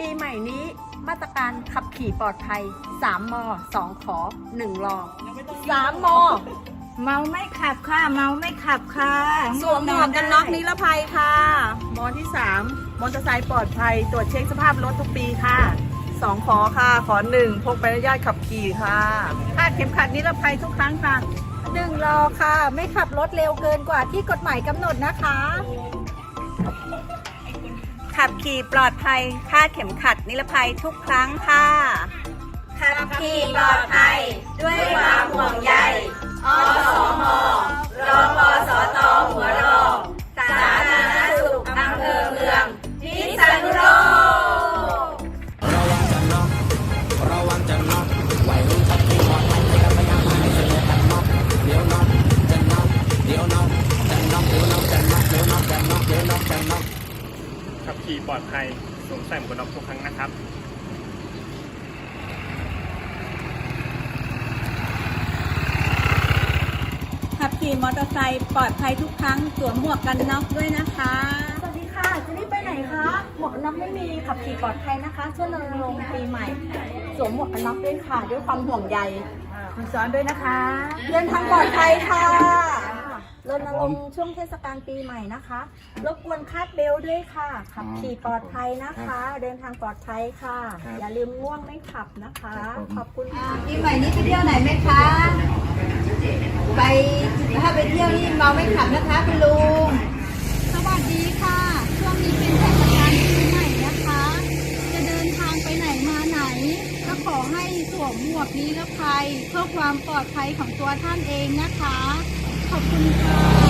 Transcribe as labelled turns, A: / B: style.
A: ปีใหม่นี้มาตรการขับขี่ปลอดภัย3 ม 2 ขอ 1 รอ3 ม
B: เมาไม่ขับค่ะ เมาไม่ขับค่ะ
C: สวมหมวกกันน็อกนิรภัยค่ะมอที่3มอเตอร์ไซค์ปลอดภัยตรวจเช็คสภาพรถทุกปีค่ะ2 ขอค่ะ ขอ 1 พกใบอนุญาตขับขี่ค่ะคาดเข็มขัดนิรภัยทุกครั้งค่ะ
A: 1 รอค่ะ ไม่ขับรถเร็วเกินกว่าที่กฎหมายกำหนดนะคะ
C: ขับขี่ปลอดภัยคาดเข็มขัดนิรภัยทุกครั้งค่ะขับขี่ปลอดภัยด้วยความห่วงใยอสมรพสตหัวรอสาธารณสุขอำเภอเมืองพิษณุโลก
D: ระวังจะน็อกระวังจะน็อกวัยรุ่นขับขี่ปลอดภัยไม่ต้องพยายามให้เสียกันน็อกเดี๋ยวน็อกจะน็อกเดี๋ยวน็อกจะน็อกเดี๋ยวน็อกจะน็อกเดี๋ยวน็อกจะน็อกเดี๋ยวน็อกจะน็อก
E: ขับขี่ปลอดภัยสวมใส่หมวกกันน็อกทุกครั้งนะครับ
C: ขับขี่มอเตอร์ไซค์ปลอดภัยทุกครั้งสวมหมวกกันน็อกด้วยนะคะ
A: สวัสดีค่ะ จะรีบไปไหนคะ หมวกกันน็อกไม่มีขับขี่ปลอดภัยนะคะช่วยรณรงค์ปีใหม่สวมหมวกกันน็อกด้วยค่ะ ด้วยความห่วงใย
C: คุณสอนด้วยนะคะ
A: เดินทางปลอดภัยค่ะรณรงค์ช่วงเทศกาลปีใหม่นะคะรบกวนคาดเบลต์ด้วยค่ะ ขับขี่ปลอดภัยนะคะ เดินทางปลอดภัยค่ะ อย่าลืมง่วงไม่ขับนะคะ ขอบคุณค่ะ
B: ปีใหม่นี้ไปเที่ยวไหนไหมคะ ถ้าไปเที่ยวนี่เมาไม่ขับนะคะคุณลุง
F: สวัสดีค่ะ ช่วงนี้เป็นเทศกาลปีใหม่นะคะ จะเดินทางไปไหนมาไหน ก็ขอให้สวมหมวกนิรภัยเพื่อความปลอดภัยของตัวท่านเองนะคะ ขอบคุณค่ะ